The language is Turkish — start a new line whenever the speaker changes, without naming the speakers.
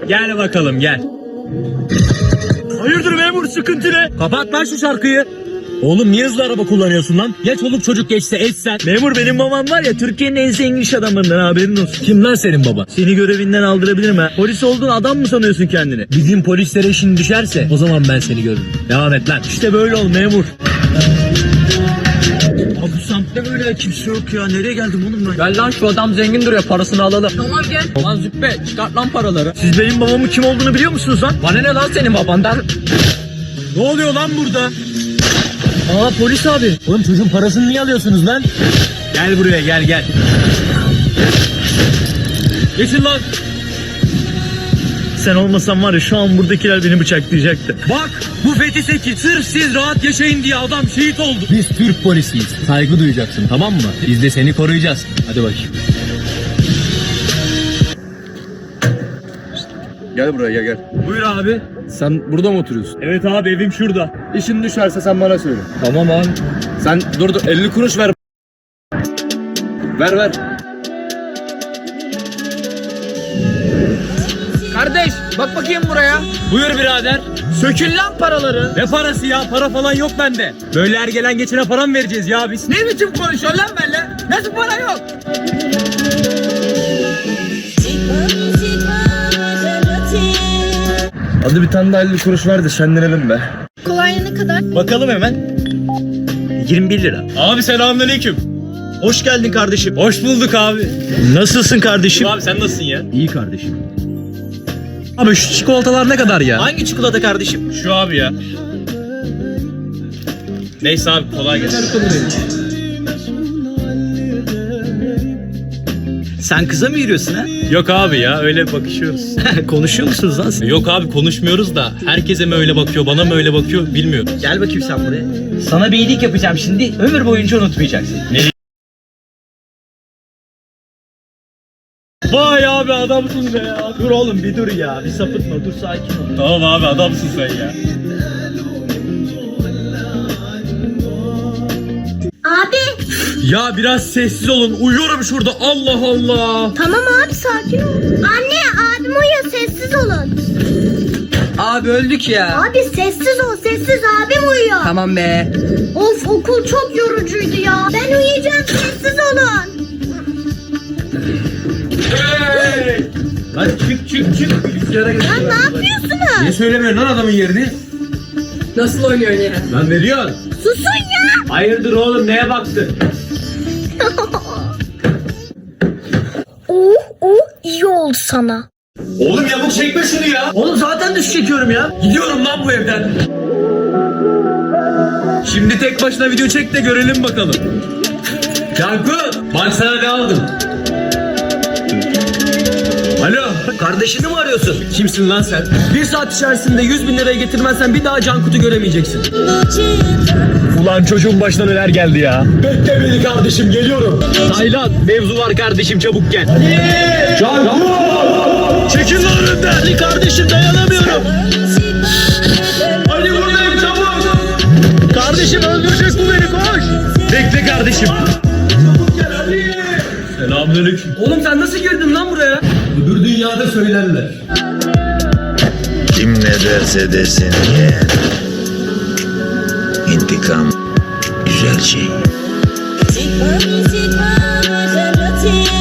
Gel bakalım gel.
Hayırdır memur, sıkıntı ne?
Kapat lan şu şarkıyı. Oğlum niye hızlı araba kullanıyorsun lan? Ya çoluk çocuk geçse etsen.
Memur, benim babam var ya Türkiye'nin en zengin iş adamlarından, haberin olsun.
Kim lan senin baba?
Seni görevinden aldırabilirim ha. Polis olduğun adam mı sanıyorsun kendini?
Bizim polislere işin düşerse o zaman ben seni görürüm. Devam et lan.
İşte böyle ol memur. Abi bu semtte böyle kimse yok ya. Nereye geldim oğlum ben?
Gel lan, şu adam zengin duruyor, parasını alalım.
Tamam gel.
Lan züppe, çıkart lan paraları.
Siz benim babamın kim olduğunu biliyor musunuz lan?
Bana ne lan senin babandan?
Ne oluyor lan burada? Aa, polis abi.
Oğlum çocuğun parasını niye alıyorsunuz lan?
Gel buraya, gel gel.
Geçin lan.
Sen olmasan var ya şu an buradakiler beni bıçaklayacaktı.
Bak, bu Fethi Seki sırf siz rahat yaşayın diye adam şehit oldu. Biz Türk polisiyiz. Saygı duyacaksın, tamam mı? Biz de seni koruyacağız. Hadi bakayım.
Gel buraya gel.
Buyur abi.
Sen burada mı oturuyorsun?
Evet abi, evim şurada.
İşin düşerse sen bana söyle.
Tamam abi.
Sen dur 50 kuruş ver. Ver.
Kardeş bak bakayım buraya.
Buyur birader.
Sökül lan paraları.
Ne parası ya? Para falan yok bende. Böyle her gelen geçene para mı vereceğiz ya biz?
Ne biçim konuşuyorsun lan benimle? Nasıl para yok?
Hadi bir tane daha 50 kuruş ver de şenlenelim be.
Kolonya ne kadar?
Bakalım hemen. 21 lira.
Abi selamünaleyküm.
Hoş geldin kardeşim.
Hoş bulduk abi.
Nasılsın kardeşim?
Abi sen nasılsın ya?
İyi kardeşim.
Abi şu çikolatalar ne kadar ya?
Hangi çikolata kardeşim?
Şu abi ya. Neyse abi, kolay gelsin.
Sen kıza mı yürüyorsun ha?
Yok abi ya, öyle bakışıyoruz.
Konuşuyor musunuz lan siz?
Yok abi, konuşmuyoruz da herkese mi öyle bakıyor, bana mı öyle bakıyor bilmiyorum.
Gel bakayım sen buraya. Sana bir iyilik yapacağım şimdi. Ömür boyunca unutmayacaksın.
Vay abi, adamsın be ya.
Dur oğlum, bir dur ya. Bir sapıtma, dur sakin ol.
Tamam abi, adamsın sen ya.
Abi
Ya biraz sessiz olun, uyuyorum şurada, Allah Allah.
tamam abi sakin ol. Anne abim uyuyor, sessiz olun.
Abi öldük ya.
Abi sessiz ol, sessiz, abim uyuyor.
Tamam be.
Of, okul çok yorucuydu ya. Ben uyuyacağım, sessiz olun.
Lan çık. Bilgisayara gel.
Ya ne yapıyorsunuz?
Niye söylemiyorsun lan adamın yerini?
Nasıl oynuyorsun ya?
Lan veriyorsun.
Susun ya.
Hayırdır oğlum, neye baktın?
iyi oldu sana.
Oğlum yamuk çekme şunu ya.
Oğlum zaten düş çekiyorum ya.
Gidiyorum lan bu evden. Şimdi tek başına video çek de görelim bakalım. Cankut, bak sana ne aldım. Alo,
Kardeşini mi arıyorsun?
kimsin lan sen?
Bir saat içerisinde 100.000 liraya getirmezsen bir daha Cankut'u göremeyeceksin.
Ulan çocuğun başına neler geldi ya. Bekle beni kardeşim, geliyorum. Taylan, mevzu var kardeşim, çabuk gel. Cankut! Çekil lan önümden.
Ali kardeşim, dayanamıyorum.
Ali buradayım, çabuk.
Kardeşim öldürecek bu beni, koş.
Bekle kardeşim. Selamünaleyküm.
Oğlum sen nasıl girdin lan buraya?
Öbür dünyada söylerler.
Kim ne derse desin yeğen. İntikam güzel şey.
Sigma, sigma,